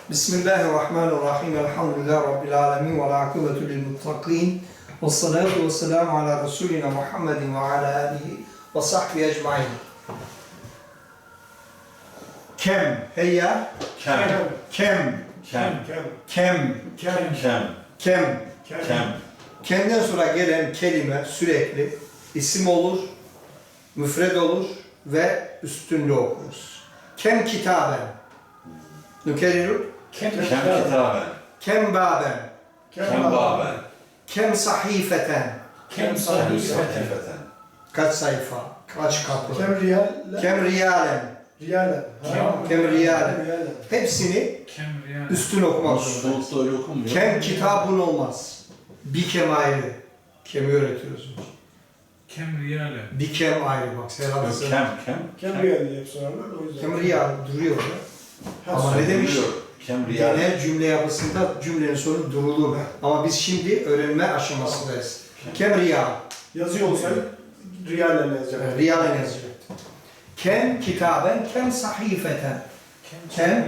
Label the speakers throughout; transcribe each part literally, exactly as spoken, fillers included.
Speaker 1: Bismillahirrahmanirrahim. Elhamdülillahi Rabbil alemin. Ve l'akıbetu lil muttaqin. Ve salatu ve selamu ala Resulina Muhammedin ve ala alihi ve sahbihi ecmain. Kem. Heyya.
Speaker 2: Kem.
Speaker 1: Kem.
Speaker 2: Kem.
Speaker 1: Kem.
Speaker 2: Kem. Kem.
Speaker 1: Kem.
Speaker 2: Kem.
Speaker 1: Kem'den sonra gelen kelime sürekli isim olur, müfred olur ve üstünlü okuruz. Kem kitaben. Nükeriru.
Speaker 2: Kem kitaben.
Speaker 1: Kem baben.
Speaker 2: Kem baben.
Speaker 1: Kem sahifeten.
Speaker 2: Kem sahifeten.
Speaker 1: Kaç sayfa, kaç kapı.
Speaker 3: Kem riyal,
Speaker 1: Kem riyalen.
Speaker 3: riyalen.
Speaker 2: Kem-
Speaker 1: Kem riyalen.
Speaker 3: Riyalen.
Speaker 1: Hepsini
Speaker 4: Kem riyal.
Speaker 1: üstün okumak zorundayız.
Speaker 2: Soğukta öyle okunmuyor.
Speaker 1: Kem kitabın olmaz. Bir kem ayrı. Kemi öğretiyoruz.
Speaker 4: Kem riyale.
Speaker 1: Bir kem ayrı bak. Serhat
Speaker 2: Yok,
Speaker 1: Kem.
Speaker 2: Kem. Kem.
Speaker 3: Kem riyal diye hep sorarlar o yüzden.
Speaker 1: Kem riyal duruyor. ya.
Speaker 3: Ha,
Speaker 1: Ama ne demiş?
Speaker 2: Kem riyal.
Speaker 1: Genel cümle yapısında cümlenin sonu durulur. Ama biz şimdi öğrenme aşamasındayız. Kem riyal.
Speaker 3: Yazıyor olsaydı riyalen yazacak.
Speaker 1: Riyalen yazacaktı. Kem kitaben, kem sahifeten. Kem?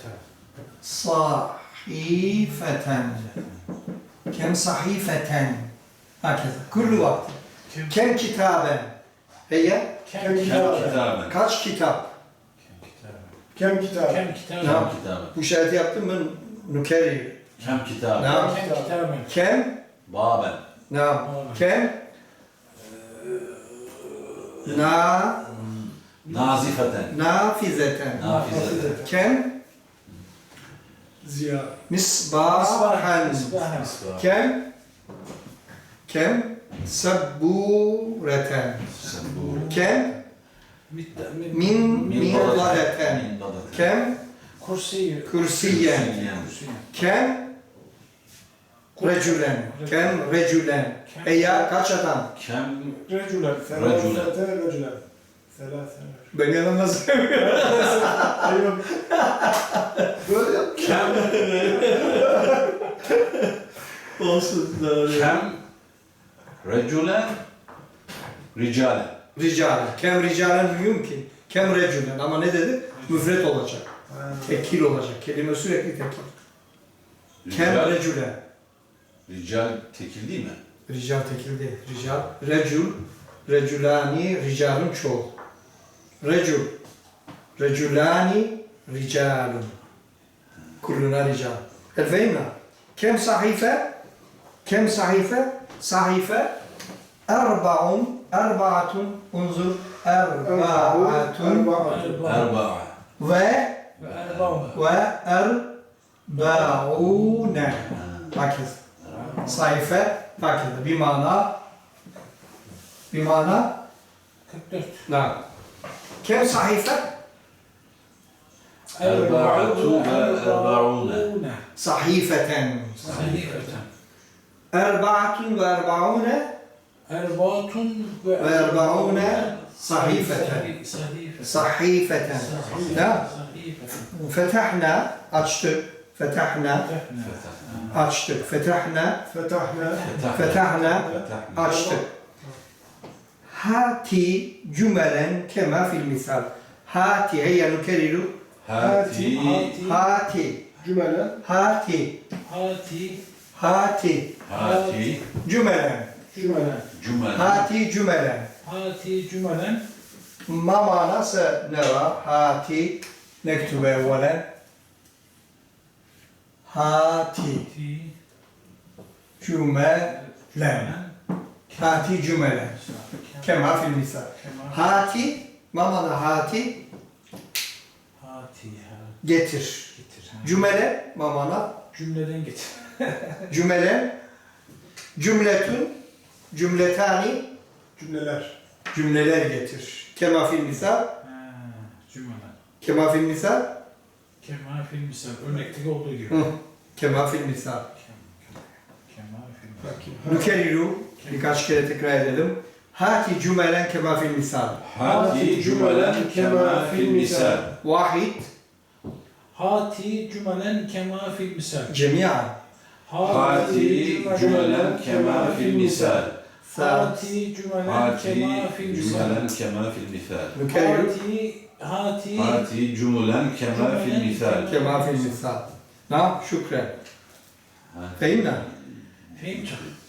Speaker 1: Sahifeten. Kem sahifeten. Hakeza. Kullu vakti. Kem kitaben. Heyye?
Speaker 4: Kem
Speaker 3: Kem
Speaker 2: Kem
Speaker 4: kitabe.
Speaker 2: kitaben.
Speaker 1: Kaç kitap?
Speaker 3: Kem kitabı.
Speaker 4: Kem
Speaker 1: Ne
Speaker 4: kitabe.
Speaker 1: yap-
Speaker 2: Kem kitaben.
Speaker 1: Bu işareti yaptım ben nükeri.
Speaker 2: Kem
Speaker 1: Ne
Speaker 2: kitaben.
Speaker 1: yap-
Speaker 4: Kem kitabe.
Speaker 1: Kem?
Speaker 2: Baben.
Speaker 1: Ne yap- Kem? Na,
Speaker 2: Nazifeten.
Speaker 1: nafizeten.
Speaker 2: Nafizeten.
Speaker 1: Kem?
Speaker 3: Ziya.
Speaker 1: Misbahan.
Speaker 4: Misbahan.
Speaker 1: Kem? Kem? Sabbureten.
Speaker 2: Sabur.
Speaker 1: Kem?
Speaker 4: Min
Speaker 1: Min, min
Speaker 2: dalaten.
Speaker 1: ladeten.
Speaker 2: Min dalaten.
Speaker 1: Kem?
Speaker 4: kursi.
Speaker 1: Kürsiyen. Kem? Recülen. Kem recülen. Eya kaç adam?
Speaker 2: Kem.
Speaker 3: Recülen.
Speaker 2: Recülen.
Speaker 3: Selâfete recülen. Selâfete.
Speaker 1: Ben yanılmaz.
Speaker 3: Ayıp.
Speaker 1: Böyle yap.
Speaker 2: Kem.
Speaker 1: Olsun.
Speaker 2: Kem. Recülen. Ricalen.
Speaker 1: Ricalen. Kem ricalen mümkün. Kem recülen. Ama ne dedi? Müfret olacak. Tekil olacak. Kelime sürekli tekil. Kem
Speaker 2: Rical.
Speaker 1: recülen.
Speaker 2: Rical tekil değil mi?
Speaker 1: Rical tekil değil. Rical. Recül. Recülani. Ricalun çoğul. Recül. Recülani. Ricalun. Kulluna rical. Elfeyna. Kem sahife? Kem sahife? Sahife. Erba'un. Erbaatun. Unzur. Erbaatun.
Speaker 2: Erba'a.
Speaker 1: Ve
Speaker 4: Ve erbaun.
Speaker 1: ve erbaune. Hakiz. Sayfa hakiz. Bir mana. Bir mana.
Speaker 4: kırk dört.
Speaker 1: Ne? Kem sayfa?
Speaker 2: Erba'atu ve erbaune.
Speaker 1: Sahifeten.
Speaker 4: Sahifeten.
Speaker 1: Erbaatun ve erbaune
Speaker 4: Erbaatun ve
Speaker 1: ve erbaune sahifeten.
Speaker 4: Sahifeten.
Speaker 1: Sahifeten. Ne?
Speaker 4: Sahifeten.
Speaker 1: Fetahna açtık. Fetahna açtık. Fetahna
Speaker 3: Fetahna.
Speaker 1: fetahna
Speaker 2: Fetahna.
Speaker 1: açtık. Hati cümelen kema fil misal. Hati heyya nükeriru.
Speaker 2: Hati.
Speaker 1: Hati.
Speaker 3: Cümelen.
Speaker 1: Hati.
Speaker 4: Hati.
Speaker 1: Hati.
Speaker 2: Hati.
Speaker 1: Cümelen.
Speaker 3: Cümelen.
Speaker 2: Cümle.
Speaker 1: Hati cümelen.
Speaker 4: Hati cümelen.
Speaker 1: ما معنى سنرى هاتي نكتب أولا هاتي
Speaker 4: Ti.
Speaker 1: جملا هاتي جملا كما في المثال هاتي ما معنى هاتي
Speaker 4: Hati.
Speaker 1: getir
Speaker 4: Getir.
Speaker 1: cümle ما معنى
Speaker 4: Cümleden getir.
Speaker 1: cümle cümletün cümletani
Speaker 3: Cümleler.
Speaker 1: cümleler getir kema fil misal
Speaker 4: Ha, cümleden.
Speaker 1: kema fil misal
Speaker 4: Kemal fil misal. Örnekteki olduğu gibi.
Speaker 1: Hı. kema fil misal
Speaker 4: Kemal fil misal.
Speaker 3: Bakayım.
Speaker 1: nükeriru birkaç kere tekrar edelim hati cümelen kema fil misal
Speaker 2: Hati cümelen kema fil misal.
Speaker 1: واحد
Speaker 4: Hati cümelen kema fil misal.
Speaker 1: جميعا
Speaker 2: Hati cümelen kema fil misal.
Speaker 4: Hati cümelen
Speaker 2: Hati
Speaker 4: kema fil misal.
Speaker 2: cümelen kema fil misal.
Speaker 1: نكرر
Speaker 4: Hati, hati,
Speaker 2: Hati cümlen kema fil misal.
Speaker 1: كما في المثال نعم شكرا
Speaker 2: هات
Speaker 1: فهمنا
Speaker 4: Fehim çıktı.